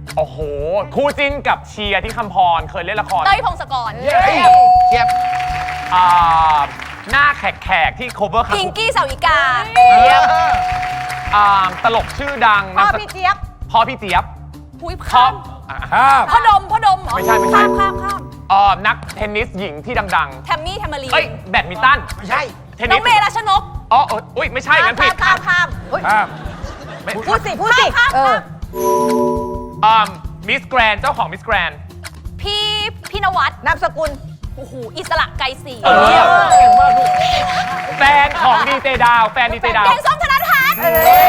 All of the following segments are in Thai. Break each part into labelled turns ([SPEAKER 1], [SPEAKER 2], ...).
[SPEAKER 1] โอ้โหคู่จิ้นกับเชียร์ที่คำพรเคยเล่นละคร
[SPEAKER 2] เต้ยพงศกร
[SPEAKER 3] เทียบ
[SPEAKER 1] หน้าแขกที่ cover
[SPEAKER 2] พิงกี้สาวิกา
[SPEAKER 1] ตลกชื่อดัง
[SPEAKER 4] พ่อพี่เจี๊ยบ
[SPEAKER 1] พ่อพี่เจี๊ยบ
[SPEAKER 2] หุย
[SPEAKER 1] ครั
[SPEAKER 2] ข้า
[SPEAKER 1] บ
[SPEAKER 2] ม
[SPEAKER 3] ข้าม
[SPEAKER 2] พ่อดมเหรอ
[SPEAKER 1] ไม่ใช่
[SPEAKER 2] ข้าม
[SPEAKER 1] นักเทนนิสหญิงที่ดัง
[SPEAKER 2] แทมมี่แทมมารี
[SPEAKER 1] ๆ เอ้ยแบดมินตัน
[SPEAKER 3] ไม่ใช่
[SPEAKER 1] เทน
[SPEAKER 2] น้
[SPEAKER 1] นิ
[SPEAKER 2] อ
[SPEAKER 1] ส
[SPEAKER 2] งเมย์รัชนก
[SPEAKER 1] อ๋ออุ้ยไม่ใช่งั้นผิด
[SPEAKER 4] ข้ามอุ๊ย
[SPEAKER 3] ข้าม
[SPEAKER 4] พูดสิ
[SPEAKER 1] มิสแกรนเจ้าของมิสแกรน
[SPEAKER 2] พี่นวัด
[SPEAKER 4] นามสกุล
[SPEAKER 2] โอ้โหอิสระไกรศรี
[SPEAKER 1] แฟนของดีเจดาวแฟนดีเจดาว
[SPEAKER 2] แกงส้มธนทัศน์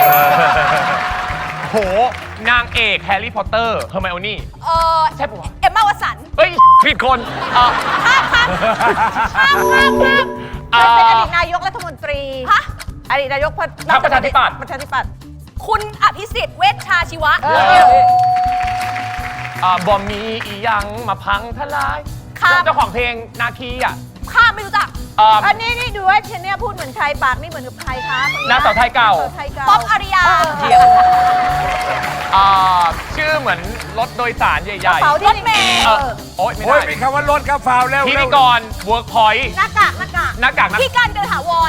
[SPEAKER 1] โหนางเอกแฮร์รี่พอตเตอร์เฮอร์ไมโอนี่ ใช่ปะวะ
[SPEAKER 2] เอมม่าวสันต์
[SPEAKER 1] เฮ้ยผิดคน
[SPEAKER 2] ข้าม
[SPEAKER 4] เป็นอดีตนายกรัฐมนตรี
[SPEAKER 2] ฮะ
[SPEAKER 4] อดีตนายก
[SPEAKER 1] พรรคประชาธิปัตย์
[SPEAKER 4] ประชาธิปัตย์
[SPEAKER 2] คุณอภิสิทธิ์เวชชาชีวะ
[SPEAKER 1] บอมมีอีหยังมาพังทลาย
[SPEAKER 2] ข้าม
[SPEAKER 1] เจ้าของเพลงนาคีอ่ะ
[SPEAKER 2] ข้ามไม่รู้จัก
[SPEAKER 4] อันนี้นี่ดูว่าเชนเนี่ยพูดเหมือนใครปากนี่เหมือนกับใครคะคนนี้
[SPEAKER 1] นางสาวไทยเก่า
[SPEAKER 4] นงสวไทยเก่า
[SPEAKER 2] ป๊อปอาริยา
[SPEAKER 1] ชื่อเหมือนรถโดยสารใหญ่
[SPEAKER 4] กระเป๋าที่
[SPEAKER 2] รถเมล์
[SPEAKER 1] โอ๊ยไม่
[SPEAKER 3] โอ้ย
[SPEAKER 1] ได้
[SPEAKER 3] มีคำว่ารถครับฟาวแล้ว
[SPEAKER 1] พิธีกรเวิร์กพอยต์
[SPEAKER 4] หน้ากาก
[SPEAKER 1] หน้ากากนะ
[SPEAKER 2] พี่กันเดินถาวร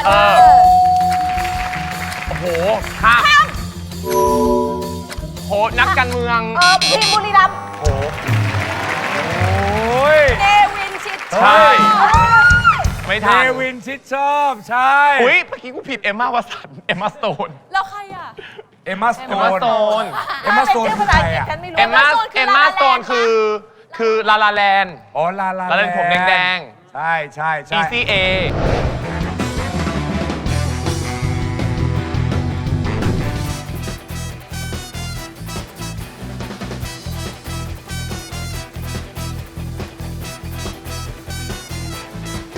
[SPEAKER 1] โอ้โหข้ามโหนักการเมือง
[SPEAKER 4] ทีมบุรีรัมย์
[SPEAKER 1] โอ้โห
[SPEAKER 3] โอ้ย
[SPEAKER 2] เนวินชิด
[SPEAKER 1] ใช่ไม่
[SPEAKER 3] เท
[SPEAKER 1] ทัน
[SPEAKER 3] วินชิดชอบใช่
[SPEAKER 1] อุ้ยเมื่อกี้กูผิดเอมม่าวสันเอมม่าสโตน
[SPEAKER 2] แล้วใครอ่ะ
[SPEAKER 3] เอมมาสโต
[SPEAKER 1] เอมม่าน สโตน
[SPEAKER 3] เอมมาสโตน
[SPEAKER 4] เป็น
[SPEAKER 3] คือ
[SPEAKER 4] ชื่อภา
[SPEAKER 3] ใค
[SPEAKER 4] ษาร อังกฤษ
[SPEAKER 3] อ่ะ
[SPEAKER 4] ฉันไม่รู้
[SPEAKER 1] เอมม่า
[SPEAKER 2] Stone คือ
[SPEAKER 1] เอมม่า
[SPEAKER 2] La La
[SPEAKER 1] สโตน
[SPEAKER 2] Land
[SPEAKER 1] คือลาลาแลนด์
[SPEAKER 3] อ๋อลา
[SPEAKER 1] ลาลาแลนด์ผมแดง
[SPEAKER 3] ใช่
[SPEAKER 1] ECA